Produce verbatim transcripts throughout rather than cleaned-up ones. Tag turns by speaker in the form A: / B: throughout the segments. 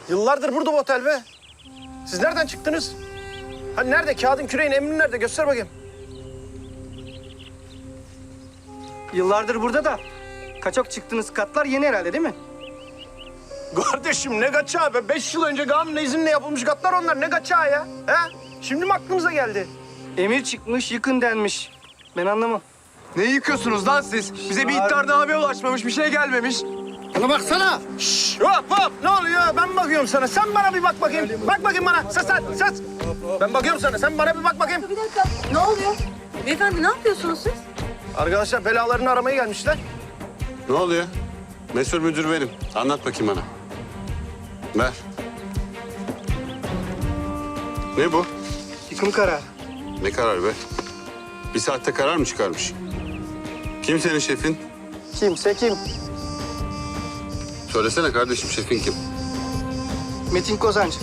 A: Yıllardır burada bu otel be. Siz nereden çıktınız? Hani nerede? Kağıdın küreğin emrin nerede? Göster bakayım.
B: Yıllardır burada da kaçak çıktığınız katlar yeni herhalde değil mi?
A: Kardeşim ne kaçağı be? Beş yıl önce kanunla izinle yapılmış katlar onlar. Ne kaçağı ya? He? Şimdi mi aklınıza geldi?
B: Emir çıkmış, yıkın denmiş. Ben anlamam.
C: Ne yıkıyorsunuz lan siz? Bize bir iddianame ulaşmamış, bir şey gelmemiş.
A: Bana baksana. Şşş, hop hop. Ne oluyor? Ben bakıyorum sana. Sen bana bir bak bakayım. Bak bakayım bana. Ses sen, ses. Ben bakıyorum sana. Sen bana bir bak bakayım.
D: Bir dakika. Ne oluyor? Beyefendi ne yapıyorsunuz siz?
A: Arkadaşlar belalarını aramaya gelmişler.
E: Ne oluyor? Mesul müdür benim. Anlat bakayım bana. Ver. Ne bu?
B: Yıkım kararı.
E: Ne karar be? Bir saatte karar mı çıkarmış? Kim senin şefin?
B: Kimse kim?
E: Söylesene kardeşim, şefin kim?
B: Metin Kozancı.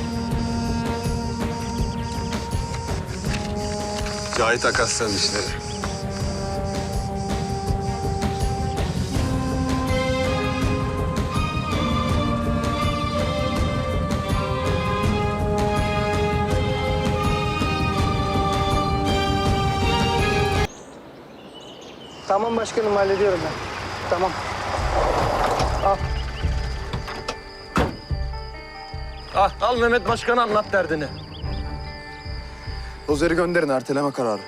E: Cahit Akaslan'ın işleri.
B: Tamam başkanım, hallediyorum ben. Tamam. Al.
A: Ah, al Mehmet Başkan'a anlat derdini.
C: Dozeri gönderin, erteleme kararı.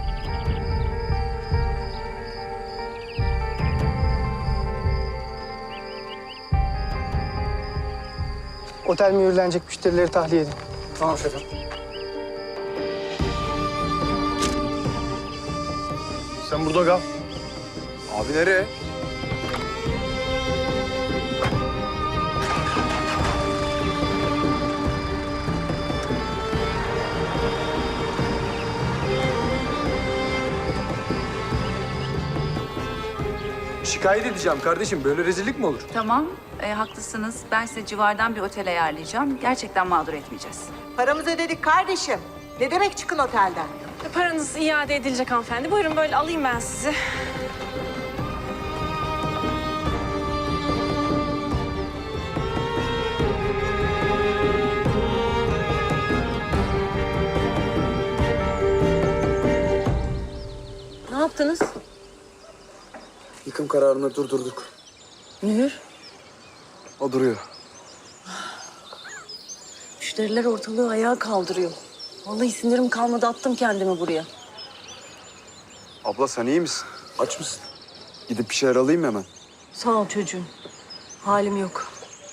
B: Otel mühürlenecek, müşterileri tahliye edin. Tamam şefim.
A: Sen burada kal.
C: Abi nereye?
F: Şikayet edeceğim kardeşim. Böyle rezillik mi olur?
G: Tamam, e, haklısınız. Ben size civardan bir otel ayarlayacağım. Gerçekten mağdur etmeyeceğiz.
H: Paramızı ödedik kardeşim. Ne demek çıkın otelden?
D: Paranız iade edilecek hanımefendi. Buyurun böyle alayım ben sizi. Ne yaptınız?
C: Yıkım kararını durdurduk.
D: Mühür.
C: O duruyor.
D: Müşteriler ortalığı ayağa kaldırıyor. Vallahi sinirim kalmadı, attım kendimi buraya.
C: Abla sen iyi misin? Aç mısın? Gidip bir şeyler alayım mı hemen?
D: Sağ ol çocuğum. Halim yok.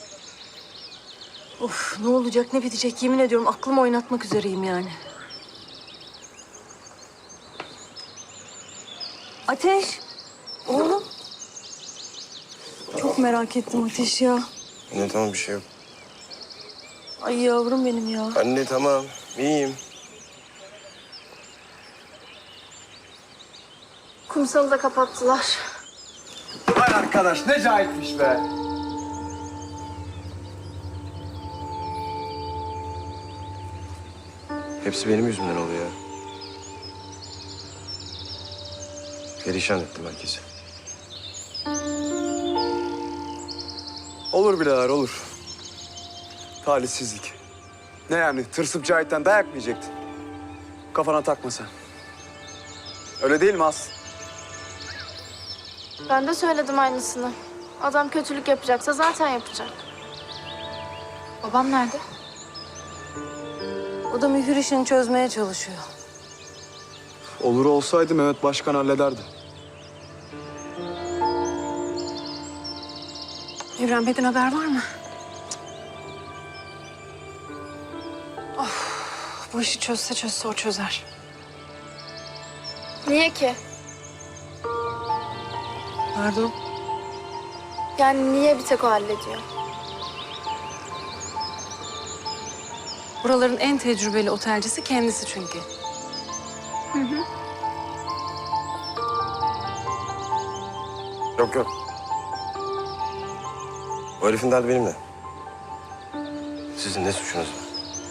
D: Of, ne olacak ne bitecek yemin ediyorum aklımı oynatmak üzereyim yani. Ateş. Oğlum. Çok merak ettim Ateş ya.
I: Anne tamam, bir şey yok.
D: Ay yavrum benim ya.
I: Anne tamam, iyiyim.
D: Kumsalı da kapattılar.
C: Vay arkadaş ne cahitmiş be.
I: Hepsi benim yüzümden oluyor ya. Perişan ettim herkesi.
C: Olur birader olur. Talihsizlik. Ne yani tırsıp Cahit'ten dayak mı yiyecektin? Kafana takma sen. Öyle değil mi Aslı?
J: Ben de söyledim aynısını. Adam kötülük yapacaksa zaten yapacak. Babam nerede?
D: O da mühür işini çözmeye çalışıyor.
C: Olur olsaydı Mehmet Başkan hallederdi.
D: Evren Bey'den haber var mı? Of, bu işi çözse çözse o çözer.
J: Niye ki?
D: Pardon.
J: Yani niye bir tek o hallediyor?
D: Buraların en tecrübeli otelcisi kendisi çünkü.
I: Yok yok. O herifin derdi benimle. Sizin ne suçunuz var?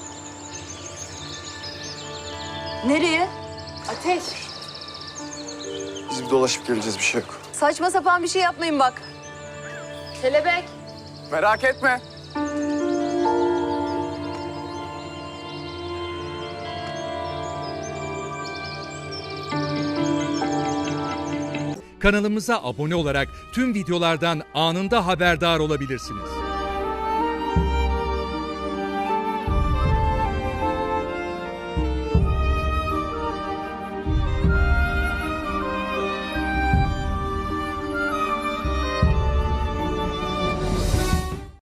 D: Nereye?
J: Ateş.
C: Biz bir dolaşıp geleceğiz, bir şey yok.
D: Saçma sapan bir şey yapmayın bak.
J: Kelebek.
C: Merak etme.
K: Kanalımıza abone olarak tüm videolardan anında haberdar olabilirsiniz.